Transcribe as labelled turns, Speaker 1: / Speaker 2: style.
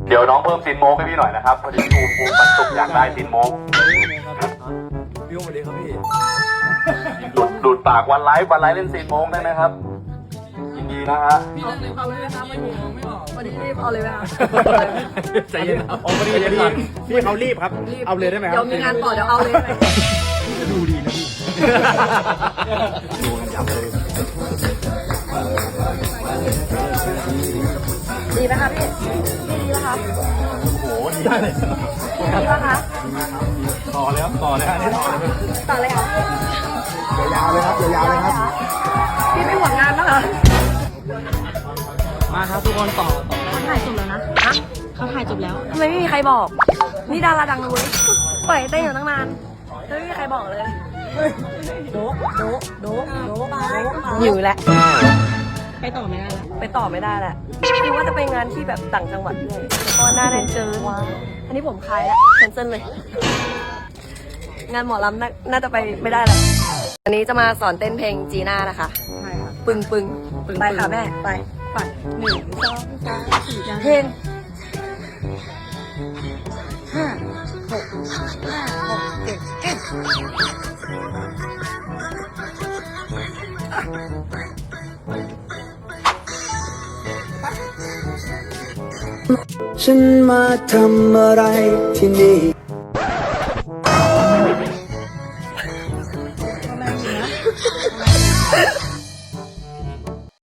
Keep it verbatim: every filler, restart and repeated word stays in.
Speaker 1: เดี๋ยวน้องเพิ่มซินโมกให้พี่หน่อยนะครับพอดีภูมิภูมิมันสุกอยากได้ซินโมก
Speaker 2: พี่สวัสดีครับพี่
Speaker 1: ดูดดูดปากวันไลฟ์วันไลฟ์เล่นซีนโมงได้ไหมครับยินดีนะฮะ
Speaker 2: พี่นั่งในความไม่ได้ทำไม่ผมมองไม่ออก
Speaker 3: วันนี้รีบเอาเลยไหมคะ
Speaker 2: ใจเย็นครับอ๋อพอดีพี่พี่เขารีบครับเอาเลยได้ไหมครับ
Speaker 3: เดี๋ยวมีงานต่อเดี๋ยวเอาเลยไหม
Speaker 2: ดูดีนะพี่ดูกันยับเลย
Speaker 3: ดีไหมคะพี่ดีไหมคะ
Speaker 2: โอ้โหดีได้เลย
Speaker 3: ดีไหมคะ
Speaker 2: ต่อเลยครับต่อเลยฮะนี่ต่อเลย
Speaker 3: ต่อเลยค่ะ
Speaker 2: ยาวๆเลยครับยาวๆเลยครับ
Speaker 3: พี่ไม่ห่วงงานนะคะ
Speaker 2: มาครับทุกคนต่อต่อ
Speaker 3: เขาถ่ายจบแล้วนะฮะเขาถ่ายจบแล้วทำไมไม่มีใครบอก นี่ดาราดังเลยปล่อยเต้นอยู่ตั้งนานแล้วไม่มีใครบอกเลยโดโดโดโดอยู่แหละไปต่อไม่ได้แล้วไปต่อไม่ได้แหละคือว่าจะไปงานที่แบบต่างจังหวัดด้วยแต่ก็น่าแน่นเจออันนี้ผมคลายแล้วแคนเซิลเลย งานหมอลำน่าน่าจะไปไม่ได้แล้วอันนี้จะมาสอนเต้นเพลงจีน่านะคะใช่ค่ะปึงปึงไปค่ะแม่ไปไปหนึ่งสองสามสี่เพลงห้าหกห้าหกเจ็ดเอ็ด
Speaker 4: ฉันมาทำอะไรที่นี่